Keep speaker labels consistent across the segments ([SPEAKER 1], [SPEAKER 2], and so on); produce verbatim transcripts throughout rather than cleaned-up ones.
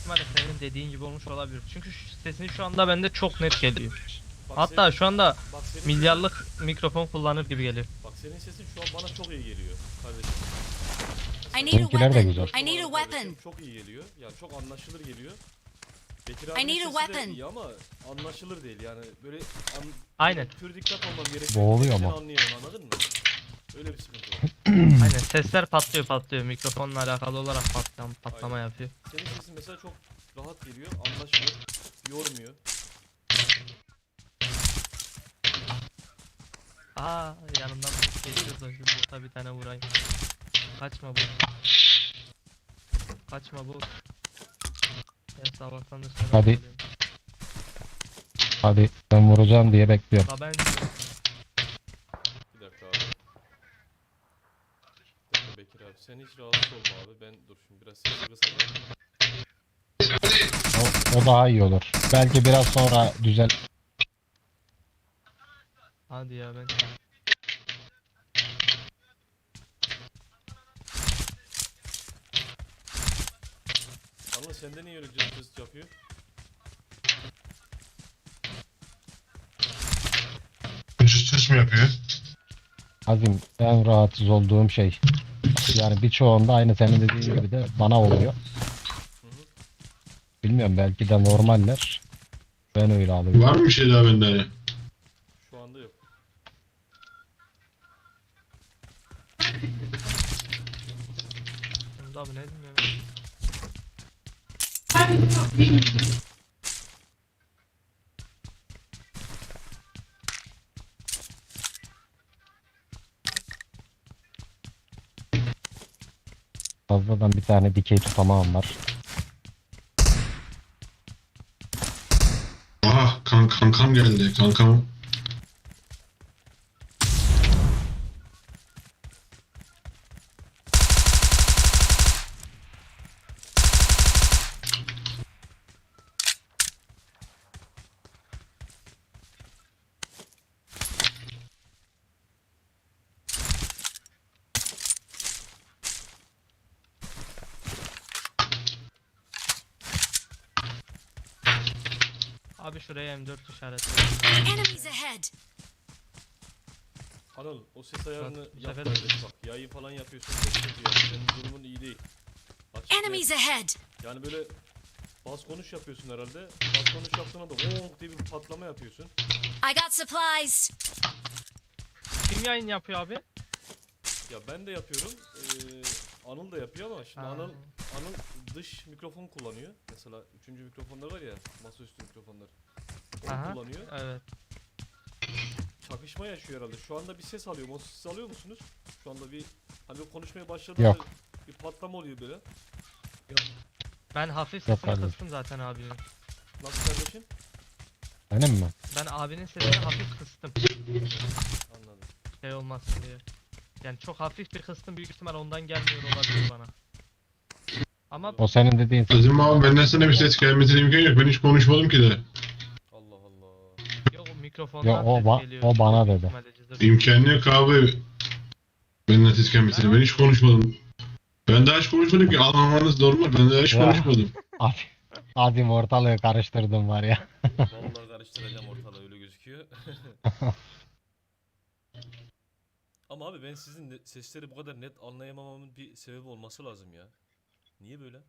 [SPEAKER 1] ihtimalle senin dediğin gibi olmuş olabilir. Çünkü şu sesin şu anda bende çok net geliyor.
[SPEAKER 2] Bak
[SPEAKER 1] Hatta
[SPEAKER 2] senin,
[SPEAKER 1] şu anda
[SPEAKER 2] bak senin
[SPEAKER 1] milyarlık
[SPEAKER 2] sesin,
[SPEAKER 1] mikrofon kullanır gibi geliyor.
[SPEAKER 2] bak senin sesin şu an bana çok iyi geliyor kardeşim.
[SPEAKER 3] I need a
[SPEAKER 4] Benimkiler de
[SPEAKER 3] weapon.
[SPEAKER 4] güzel.
[SPEAKER 3] I need a weapon.
[SPEAKER 2] Kardeşim çok iyi geliyor. Yani çok anlaşılır geliyor. Bekir
[SPEAKER 3] I
[SPEAKER 2] abinin
[SPEAKER 3] need a
[SPEAKER 2] sesi de
[SPEAKER 3] weapon.
[SPEAKER 2] iyi ama anlaşılır değil yani böyle an,
[SPEAKER 1] Aynen.
[SPEAKER 2] pür dikkat olmam gerekiyor.
[SPEAKER 4] Boğuluyor
[SPEAKER 2] Seni
[SPEAKER 4] ama.
[SPEAKER 2] anlayamam, anladın mı? Öyle bir sıkıntı var.
[SPEAKER 1] Aynen sesler patlıyor patlıyor. Mikrofonla alakalı olarak patlama, patlama
[SPEAKER 2] Aynen.
[SPEAKER 1] yapıyor.
[SPEAKER 2] Senin sesin mesela çok rahat geliyor, anlaşılır, yormuyor.
[SPEAKER 1] Aa yanından geçiyoruz da şu bota bir tane vurayım. Kaçma bu. Kaçma bu. Ben sabahtan da sana
[SPEAKER 4] Hadi.
[SPEAKER 1] söylüyorum.
[SPEAKER 4] Hadi ben vuracağım diye bekliyorum.
[SPEAKER 1] La ben
[SPEAKER 2] Bir dakika abi. Bir dakika Bekir abi, sen hiç rahatsız olma abi. Ben dur şimdi biraz sesi kısacağım.
[SPEAKER 4] O, o daha iyi olur. Belki biraz sonra düzel.
[SPEAKER 1] hadi ya ben.
[SPEAKER 2] Anla sende niye öyle cırt cırt yapıyor?
[SPEAKER 5] Cüs cüs mü yapıyor?
[SPEAKER 4] Azim en rahatsız olduğum şey. Yani birçoğunda aynı senin dediğin gibi de bana oluyor.
[SPEAKER 2] Hı hı.
[SPEAKER 4] Bilmiyorum belki de normaller. Ben öyle alıyorum.
[SPEAKER 5] Var mı bir şey daha bende?
[SPEAKER 2] Şu anda yok.
[SPEAKER 1] Şimdi abi ne bilmiyorum.
[SPEAKER 4] Fazladan bir tane dikey tutamağım var.
[SPEAKER 5] Aha kan kankam geldi kankam.
[SPEAKER 1] Abi şuraya M dört işareti.
[SPEAKER 3] Enemies ahead.
[SPEAKER 2] Anıl o ses ayarını
[SPEAKER 1] Bak, bu
[SPEAKER 2] yap
[SPEAKER 1] sefer-
[SPEAKER 2] kardeş bak. Yayın falan yapıyorsun, çok kötü yani. Senin durumun iyi değil. Açık
[SPEAKER 3] Enemies
[SPEAKER 2] net.
[SPEAKER 3] ahead.
[SPEAKER 2] Yani böyle bas konuş yapıyorsun herhalde. Bas konuş yaptığında da ooo diye bir patlama yapıyorsun.
[SPEAKER 3] I got supplies.
[SPEAKER 1] Kim yayın yapıyor abi?
[SPEAKER 2] Ya ben de yapıyorum. Ee, Anıl da yapıyor ama şimdi
[SPEAKER 1] Ha.
[SPEAKER 2] Anıl Anıl dış mikrofon kullanıyor. Mesela üçüncü mikrofonlar var ya, masaüstü mikrofonlar. Onu
[SPEAKER 1] Aha.
[SPEAKER 2] kullanıyor.
[SPEAKER 1] Evet.
[SPEAKER 2] Çakışma yaşıyor herhalde. Şu anda bir ses alıyorum. O sesi alıyor musunuz? Şu anda bir hani bir konuşmaya başladığında
[SPEAKER 4] Yok.
[SPEAKER 2] bir patlama oluyor böyle.
[SPEAKER 1] Ben hafif
[SPEAKER 4] Yok
[SPEAKER 1] sesini
[SPEAKER 4] abi.
[SPEAKER 1] kıstım zaten abinin.
[SPEAKER 2] Nasıl kardeşim?
[SPEAKER 4] Benim mi?
[SPEAKER 1] Ben abinin sesini hafif kıstım.
[SPEAKER 2] Anladım.
[SPEAKER 1] Şey olmasın diye. Yani çok hafif bir kıstım, büyük ihtimal ondan gelmiyor olabilir bana. Ama
[SPEAKER 4] O senin dediğin
[SPEAKER 5] Azim abi benden sana bir ses gelmesine imkan yok. Ben hiç konuşmadım ki de.
[SPEAKER 2] Allah Allah.
[SPEAKER 1] yok o mikrofondan
[SPEAKER 4] Ya o
[SPEAKER 1] ses
[SPEAKER 4] ba-
[SPEAKER 1] geliyor.
[SPEAKER 4] o bana
[SPEAKER 1] Büyük
[SPEAKER 4] dedi.
[SPEAKER 1] ihtimalle cızır.
[SPEAKER 5] İmkanı yok abi. Benden ses gelmesine. Ben hiç konuşmadım. Ben daha hiç konuşmadım ki. Anlamanız normal. Ben daha hiç
[SPEAKER 4] Ya.
[SPEAKER 5] konuşmadım.
[SPEAKER 4] Abi, Azim ortalığı karıştırdım var ya.
[SPEAKER 2] Vallahi karıştıracağım ortalığı, öyle gözüküyor. Ama abi ben sizin ne- sesleri bu kadar net anlayamamamın bir sebebi olması lazım ya. Niye böyle?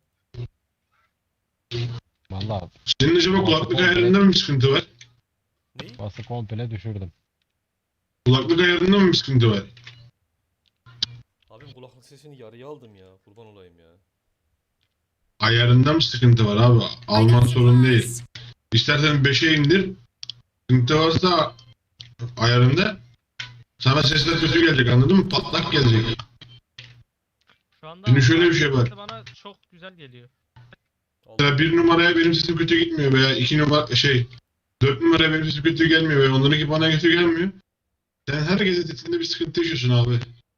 [SPEAKER 4] Vallahi
[SPEAKER 5] Senin acaba kulaklık ayarında mı bir sıkıntı var?
[SPEAKER 2] Neyi?
[SPEAKER 4] bası komple düşürdüm.
[SPEAKER 5] Kulaklık ayarında mı bir sıkıntı var?
[SPEAKER 2] Abim kulaklık sesini yarıya aldım ya. Kurban olayım ya.
[SPEAKER 5] Ayarında mı sıkıntı var abi?
[SPEAKER 3] I
[SPEAKER 5] Alman
[SPEAKER 3] got
[SPEAKER 5] sorun değil.
[SPEAKER 3] supplies.
[SPEAKER 5] İstersen beşe indir. Sıkıntı varsa ayarında sana sesler kötü gelecek, anladın mı? Patlak gelecek.
[SPEAKER 1] Şu anda
[SPEAKER 5] Şimdi şöyle bir şey var.
[SPEAKER 1] sesi bana çok güzel geliyor.
[SPEAKER 2] Allah.
[SPEAKER 5] Mesela bir numaraya benim sesim kötü gitmiyor veya iki numara şey dört numaraya benim sesim kötü gelmiyor veya onlarınki bana kötü gelmiyor. Sen herkesin sesinde bir sıkıntı yaşıyorsun abi.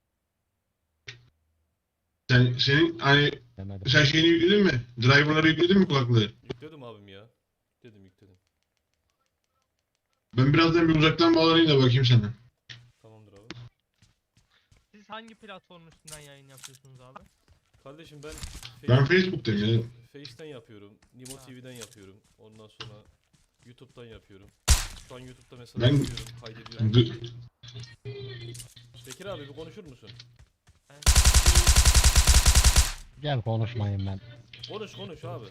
[SPEAKER 5] Sen senin hani
[SPEAKER 4] Demedim.
[SPEAKER 5] sen şeyini yükledin mi? Driver'ları yükledin mi kulaklığı?
[SPEAKER 2] Yükledim abim ya. Yükledim yükledim.
[SPEAKER 5] Ben birazdan bir uzaktan bağlanayım da bakayım sana.
[SPEAKER 2] Tamamdır abi.
[SPEAKER 1] Siz hangi platformun üstünden yayın yapıyorsunuz abi?
[SPEAKER 2] Kardeşim ben
[SPEAKER 5] Ben Facebook'tayım ya.
[SPEAKER 2] Face'ten yapıyorum. Nimo
[SPEAKER 1] Ha.
[SPEAKER 2] T V'den yapıyorum. Ondan sonra YouTube'dan yapıyorum. Şu an YouTube'da mesela
[SPEAKER 5] Ben-
[SPEAKER 2] yapıyorum, kaydediyorum.
[SPEAKER 5] D-
[SPEAKER 2] Bekir abi bir konuşur musun?
[SPEAKER 4] Gel konuşmayın ben.
[SPEAKER 2] Konuş konuş abi.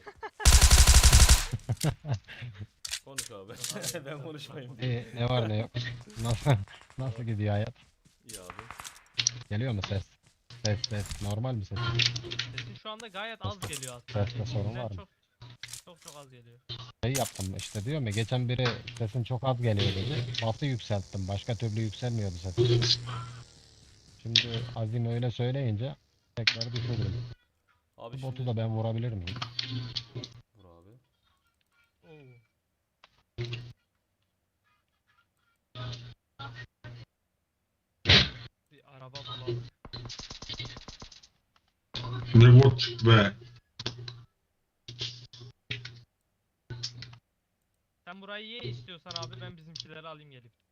[SPEAKER 2] Konuş abi. Ben konuşmayayım.
[SPEAKER 4] İyi, ne var ne yok. Nasıl nasıl gidiyor hayat?
[SPEAKER 2] İyi abi.
[SPEAKER 4] Geliyor mu ses? Ses ses. Normal mi ses?
[SPEAKER 1] Sesin şu anda gayet az geliyor aslında.
[SPEAKER 4] Seste sorun
[SPEAKER 1] Eskiden
[SPEAKER 4] var mı?
[SPEAKER 1] Çok çok çok az geliyor.
[SPEAKER 4] Şey yaptım işte diyorum ya geçen biri sesin çok az geliyor dedi. Bası yükselttim. Başka türlü yükselmiyordu sesim. Şimdi Azim öyle söyleyince tekrar düşürdüm.
[SPEAKER 2] Abi
[SPEAKER 4] Bu
[SPEAKER 2] şimdi...
[SPEAKER 4] botu da ben vurabilir miyim?
[SPEAKER 2] Vur abi.
[SPEAKER 1] Oo. Bir araba bulalım.
[SPEAKER 5] Ne bot çıktı be.
[SPEAKER 1] Sen burayı ye istiyorsan abi ben bizimkileri alayım gelip.